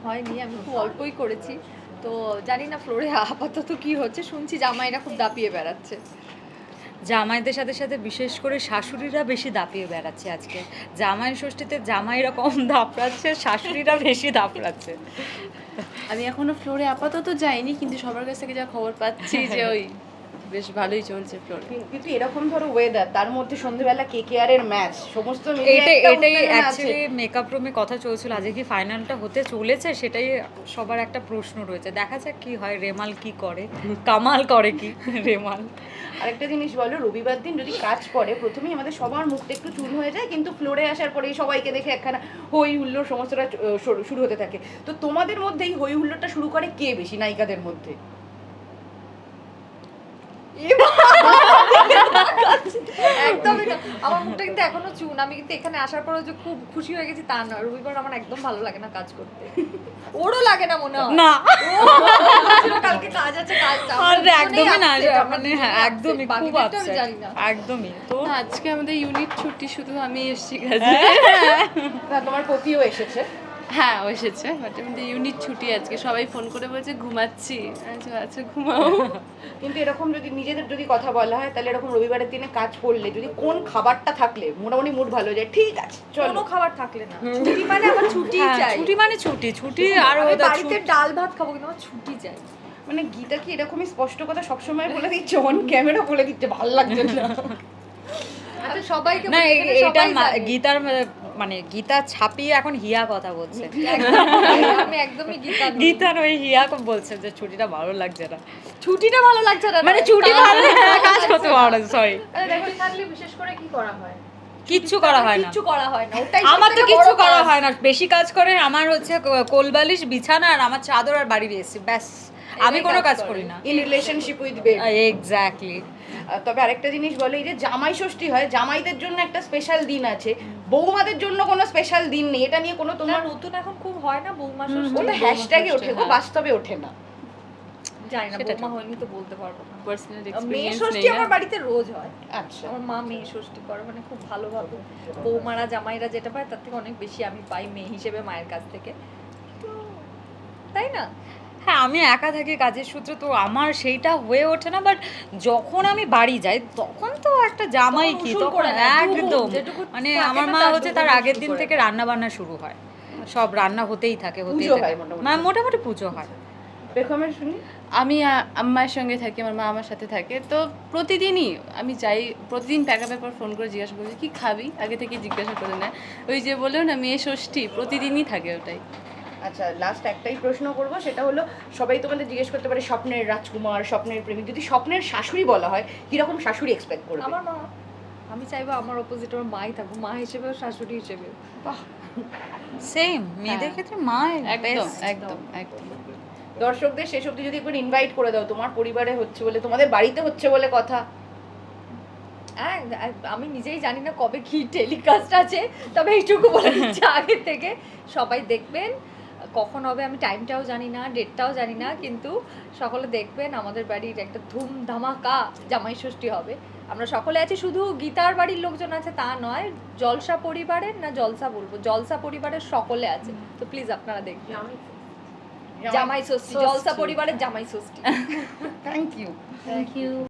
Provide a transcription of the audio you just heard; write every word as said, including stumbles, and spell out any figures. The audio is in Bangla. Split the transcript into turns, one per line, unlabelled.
হয়নি, আমি খুব অল্পই করেছি। তো জানি না ফ্লোরে আপাতত কি হচ্ছে, শুনছি জামাইরা খুব দাপিয়ে বেড়াচ্ছে।
জামাইদের সাথে সাথে বিশেষ করে শাশুড়িরা বেশি দাপিয়ে বেড়াচ্ছে আজকে। জামাই ষষ্ঠীতে জামাইরা কম দাপড়াচ্ছে, শাশুড়িরা বেশি দাপড়াচ্ছে।
আমি এখনো ফ্লোরে আপাতত যাইনি, কিন্তু সবার কাছ থেকে যা খবর পাচ্ছি যে ওই বেশ ভালোই চলছে ফ্লোরে।
কিন্তু এরকম ধরো ওয়েদার, তার মধ্যে সন্ধ্যেবেলা কেকেআর এর ম্যাচ, সমস্ত মিলিয়ে
এটাই
একটা
এটাই
উত্তেজনা আছে।
অ্যাকচুয়ালি মেকআপ রুমে কথা চলছিল আজকে কি ফাইনালটা হতে চলেছে, সেটাই সবার একটা প্রশ্ন রয়েছে। দেখা যাক কি হয়, রেমাল কি করে, কামাল করে কি রেমাল।
আরেকটা জিনিস বলো, রবিবার দিন যদি কাজ পড়ে প্রথমেই আমাদের সবার মুখটা একটু চুল হয়ে যায়, কিন্তু ফ্লোরে আসার পরেই সবাইকে দেখে একখানা হই হুল্লোড় সমস্তটা আহ, শুরু- শুরু হতে থাকে। তো তোমাদের মধ্যে এই হই হুল্লোড়টা শুরু করে কে বেশি নায়িকাদের মধ্যে?
একদমই না, আমার মুখটা কিন্তু এখনো চুন। আমি কিন্তু এখানে আসার পরে যে খুব খুশি হয়ে গেছি তা না, রবিবার আমার একদম ভালো লাগে না কাজ করতে। ওরও লাগে না মনে হয়
না
ও বলছিল কালকে কাজ আছে, কাজটা
আর একদমই না, মানে হ্যাঁ একদমই খুব
বাকিদেরটা আমি
আপসেট,
জানি না।
একদমই। তো
না, আজকে আমাদের ইউনিট ছুটি, শুধু আমি এসেছি কাজে।
না, তোমার পতিও এসেছে।
হ্যাঁ, ও এসেছে, বাট আমাদের ইউনিট ছুটি আজকে। সবাই ফোন করে বলছে ঘুমাচ্ছি। আচ্ছা আচ্ছা ঘুমাও।
কিন্তু এরকম যদি নিজেদের যদি কথা বলা হয়, তাহলে এরকম রবিবারের দিনে কাজ পড়লে যদি কোন খাবারটা থাকলে মোটামুটি মুড ভালো হয়ে যায়, ঠিক আছে চলো।
কোনো খাবার থাকলে না, ছুটি মানে আমার ছুটি
হ্যাঁ,
চাই।
ছুটি মানে ছুটি ছুটি আর
আমি
ওদের
বাড়িতে ডাল ভাত খাবো, কিন্তু আমার ছুটি চাই।
মানে গীতা কি এরকমই স্পষ্ট কথা সবসময় বলে দিচ্ছে, অন ক্যামেরা বলে দিচ্ছে, ভালো লাগছে না।
আচ্ছা সবাইকে
না
বলি,
এ-
এখানে
এটা
সবাই
মা-
জানে।
গীতার মা- মানে গীতা ছাপিয়ে এখন হিয়া কথা বলছে।
আমি একদমই গীতা নই।
গীতার ওই হিয়া বলছে যে ছুটিটা ভালো লাগছে না,
ছুটিটা ভালো লাগছে না,
মানে
নয়,
ছুটি
কাজ
ভালো
ভালো
কাজ
লাগছে
করতে
না।
পারো, সরি
আরে দেখো থাকলে বিশেষ করে কি করা হয়?
কিচ্ছু করা হয় না।
কিচ্ছু করা হয় না, ওটাই
আমার তো
সবথেকে
কিচ্ছু
বড়
করা
কাজ।
হয় না, বেশি কাজ করে আমার হচ্ছে ক- কোলবালিশ বিছানা আর আমার চাদর আর বাড়ি এসেছি, ব্যাস। আমি কোনো কাজ করি না।
In relationship with bed.
Exactly.
তবে আরেকটা জিনিস বলে, এই যে জামাই ষষ্ঠী হয়, জামাইদের জন্য একটা স্পেশাল দিন আছে, বৌমাদের জন্য কোনো স্পেশাল দিন নেই। এটা নিয়ে কোনো
তোমার
তোমার
নতুন এখন খুব হয় না বৌমা ষষ্ঠী?
ওটা
বৌমা
হ্যাশট্যাগে
ষষ্ঠী,
ওঠে গো,
হ্যাঁ।
বাস্তবে ওঠে না।
জানি না,
সেটা
বৌমা হয়নি তো বলতে পারবো না।
পার্সোনাল
মেয়ে
এক্সপেরিয়েন্স
ষষ্ঠী
নেই।
আমার বাড়িতে রোজ হয়।
আচ্ছা,
আমার মা মেয়ে ষষ্ঠী করে, মানে খুব ভালোভাবে। বৌমারা জামাইরা যেটা পায় তার থেকে অনেক বেশি আমি পাই মেয়ে হিসেবে মায়ের কাছ থেকে, তো তাই না?
হ্যাঁ, আমি একা থাকি কাজের সূত্রে, তো আমার সেইটা হয়ে ওঠে না। বাট যখন আমি বাড়ি যাই তখন তো একটা জামাই
তখন
কি,
উসুল
তখন
করে নেয়, দুগুণ,
একদম
যেটুকু
মানে
থাকে
আমার
না
মা
তার
হচ্ছে তার
দুগুণ
আগের
উসুল
দিন
করে
থেকে রান্না বান্না শুরু হয়, সব রান্না হতেই থাকে হতেই
পুজো
থাকে,
হয় মোটামুটি।
মানে মোটামুটি পুজো হয়।
বেগমের শুনি।
আমি আ- আম্মার সঙ্গে থাকি, আমার মা আমার সাথে থাকে, তো প্রতিদিনই আমি যাই, প্রতিদিন প্যাক আপের পর ফোন করে জিজ্ঞাসা করি কি খাবি, আগে থেকে জিজ্ঞাসা করে নেয়। ওই যে বললো না মেয়ে ষষ্ঠী, প্রতিদিনই থাকে ওটাই।
আচ্ছা, লাস্ট একটাই প্রশ্ন করব, সেটা হলো সবাই তোমাদের জিজ্ঞেস করতে পারে স্বপ্নের রাজকুমার, স্বপ্নের প্রেমিক, যদি স্বপ্নের শাশুড়ি বলা হয় কিরকম শাশুড়ি এক্সপেক্ট করবে?
আমার মা, আমি চাইবো আমার অপোজিট আমার মাই থাকবো, মা হিসেবেও শাশুড়ি হিসেবেও।
সেম মেয়েদের
হ্যাঁ।
ক্ষেত্রে মা
একদম
best।
একদম একদম।
দর্শকদের শেষ অবধি যদি একবার ইনভাইট করে দাও, তোমার পরিবারে হচ্ছে বলে, তোমাদের বাড়িতে হচ্ছে বলে কথা।
হ্যাঁ, আমি নিজেই জানি না কবে কি টেলিকাস্ট আছে, তবে এইটুকু বলে দিচ্ছি আগে থেকে সবাই দেখবেন। কখন হবে আমি টাইমটাও জানি না, ডেটটাও জানি না, কিন্তু সকলে দেখবেন। আমাদের বাড়ির একটা ধুম ধামাকা জামাই ষষ্ঠী হবে। আমরা সকলে আছি, শুধু গীতার বাড়ির লোকজন আছে তা নয়, জলসা পরিবারের, না জলসা বলবো, জলসা পরিবারের সকলে আছে। তো প্লিজ আপনারা দেখবেন জামাই ষষ্ঠী, জলসা পরিবারের Jamai Shashthi.
Thank you.
Thank you.